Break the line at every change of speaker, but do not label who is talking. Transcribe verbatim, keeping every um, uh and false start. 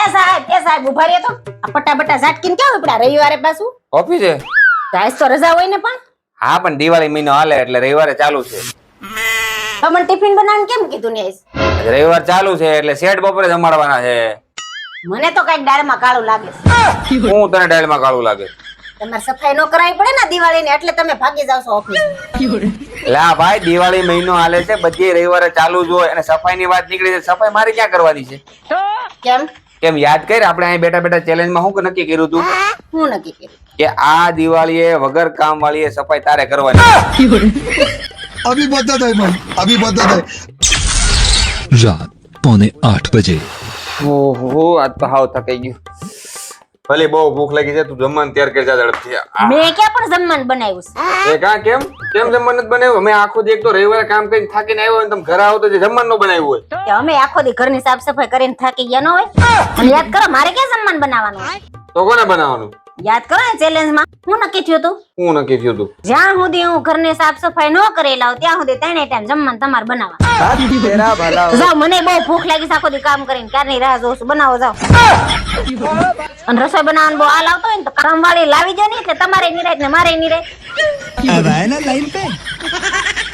સાહેબ એ સાહેબ ઉભા રહ્યો તો આ પટ્ટા બટ્ટા ઝાટકીને ક્યાં ઉપડા રવિવારે પાછું
ઓફિસે
આજ તો રજા હોય ને પણ
હા પણ દિવાળી મહિનો હાલે એટલે રવિવારે ચાલુ છે
તમને ટિફિન બનાવીને કેમ કીધું ને આઈસ?
રવિવાર ચાલુ છે એટલે શેઠ બપોરે જમાડવાના છે
મને તો કઈક દાળમાં કાળું લાગે છે.
હું તને ડાયલમાં કાળું લાગે
તમારે સફાઈ ન કરાવી પડે ને દિવાળીની એટલે તમે ભાગી જાવ છો ઓફિસ.
લા ભાઈ દિવાળી મહિનો હાલે છે બધી રવિવારે ચાલુ જ હોય અને સફાઈ ની વાત નીકળી છે સફાઈ મારે ક્યાં કરવાની છે
કેમ
કેમ યાદ કર આપણે અહીં બેઠા બેઠા ચેલેન્જમાં શું નક્કી કર્યું હતું
હું નક્કી કર્યું
કે આ દિવાળીએ વગર કામ વાળી સફાઈ તારે કરવાની
अभी बता दे भाई अभी बता दे
रात पौने आठ बजे
ઓહો આજ તો હાવ થકાઈ ગયું ભલે બહુ ભૂખ લાગી છે તું જમવાનું તૈયાર કરી જા ઝડપથી આ,
મેં ક્યાં પણ જમવાનું બનાવ્યું છે
એ કા કેમ કેમ જમવાનું નથી બનાવ્યું અમે આખો દી એક તો રવિવારે કામ કરીને થાકીને આવ્યો અને તમે ઘરે આવો તો જે જમવાનું ન બનાવ્યું હોય
કે અમે આખો દી ઘરની સાફ સફાઈ કરીને થાકી ગયા ન હોય અને યાદ કરો મારે ક્યાં જમવાનું બનાવવાનું હોય?
તો કોને બનાવવાનું
યાદ કરો ને ચેલેન્જ માં હું નક્કી થયું હતું
હું નક્કી થયું તું
જ્યાં સુધી હું ઘરની સાફ સફાઈ ન કરી લાવ ત્યાં સુધી ત્રણે ટાઈમ જમવાનું તમારે બનાવવા જાઓ મને બહુ ભૂખ લાગી છે આખો દી કામ કરીને ક્યારની રાહ જોઉં છું બનાવો જાઓ અને રસોઈ બનાવવાનું બહુ હાલ આવતો હોય ને તો કામવાળી લાવી જાય ને એટલે તમારે નિરાય ને મારે નિરાય
अब आए ना लाइन पे